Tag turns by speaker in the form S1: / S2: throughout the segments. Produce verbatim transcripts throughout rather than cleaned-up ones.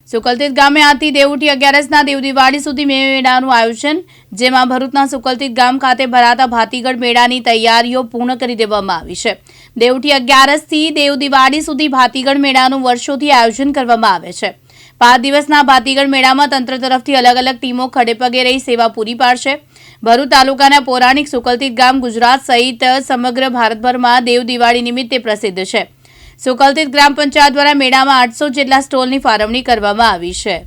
S1: સુકલતીત ગામે આજથી દેવઉઠી અગિયારસના દેવ દિવાળી સુધી મેળાનું આયોજન, જેમાં ભરૂચના સુકલતીત ગામ ખાતે ભરાતા ભાતીગળ મેળાની તૈયારીઓ પૂર્ણ કરી દેવામાં આવી છે। દેવઉઠી અગિયારસથી દેવ દિવાળી સુધી ભાતીગળ મેળાનું વર્ષોથી આયોજન કરવામાં આવે છે। પાંચ દિવસના ભાતીગળ મેળામાં તંત્ર તરફથી અલગ અલગ ટીમો ખડેપગે રહી સેવા પૂરી પાડશે। ભરૂચ તાલુકાના પૌરાણિક સુકલતીત ગામ ગુજરાત સહિત સમગ્ર ભારતભરમાં દેવ દિવાળી નિમિત્તે પ્રસિદ્ધ છે। સુકલતીત ગ્રામ પંચાયત દ્વારા મેળામાં આઠસો જેટલા સ્ટોલની ફાળવણી કરવામાં આવી છે।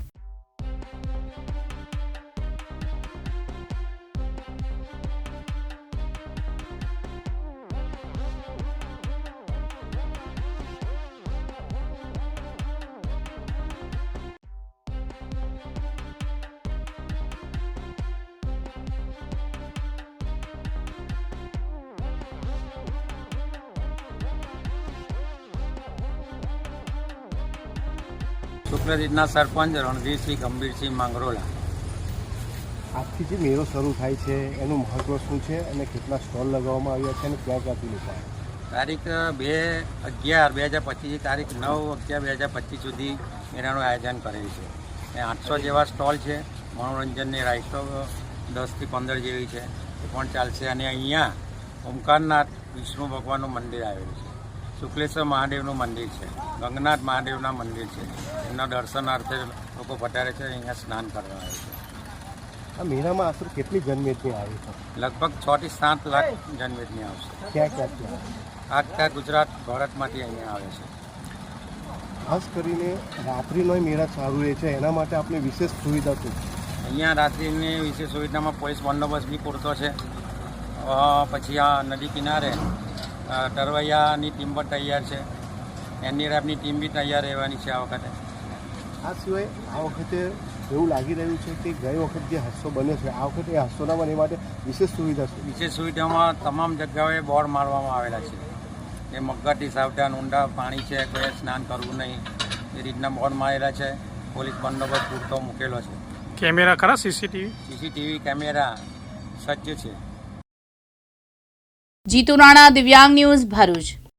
S2: સુકલતીતના સરપંચ રણજીતસિંહ ગંભીરસિંહ માંગરોલા।
S3: આજથી જે મેળો શરૂ થાય છે એનું મહત્વ શું છે અને કેટલા સ્ટોલ લગાવવામાં આવ્યા છે અને ક્યાં ક્યાંથી લોકો
S2: તારીખ બે અગિયાર બે હજાર પચીસથી તારીખ નવ અગિયાર બે હજાર પચીસ સુધી મેળાનું આયોજન કરેલું છે। એ આઠસો જેવા સ્ટોલ છે। મનોરંજનની રાઇટો દસથી પંદર જેવી છે એ પણ ચાલશે। અને અહીંયા ઓમકારનાથ વિષ્ણુ ભગવાનનું મંદિર આવેલું છે, શુક્લેશ્વર મહાદેવનું મંદિર છે, ગંગનાથ મહાદેવના મંદિર છે। એમના દર્શનાર્થે લોકો પધારે છે, અહીંયા સ્નાન કરવા આવે છે।
S3: આ મેળામાં આશરે કેટલી જનમેદની આવી છે?
S2: લગભગ છ થી સાત લાખ જનમેદની આવશે।
S3: ક્યાં ક્યાંથી આવે?
S2: આખા ગુજરાત ભારતમાંથી અહીંયા આવે છે।
S3: ખાસ કરીને રાત્રિનો મેળા ચાલુ રહે છે, એના માટે આપણે વિશેષ સુવિધા શું છે?
S2: અહીંયા રાત્રિની વિશેષ સુવિધામાં પોલીસ બંદોબસ્ત બી પૂરતો છે। પછી આ નદી કિનારે તરવૈયાની ટીમ પણ તૈયાર છે, એનડીઆરએફની ટીમ બી તૈયાર રહેવાની છે આ વખતે।
S3: આ સિવાય આ વખતે એવું લાગી રહ્યું છે કે ગઈ વખત જે હાદસો બન્યો છે આ વખતે એ હાદસો ના બને માટે વિશેષ સુવિધા છે।
S2: વિશેષ સુવિધામાં તમામ જગ્યાએ બોર્ડ મારવામાં આવેલા છે કે મગરથી સાવધાન, ઊંડા પાણી છે, કોઈ સ્નાન કરવું નહીં, એ રીતના બોર્ડ મારેલા છે। પોલીસ બંદોબસ્ત પૂરતો મૂકેલો છે।
S4: કેમેરા ખરા? સીસીટીવી
S2: સીસીટીવી કેમેરા સજ્જ છે।
S1: જીતુ રાણા, દિવ્યાંગ ન્યૂઝ, ભરૂચ।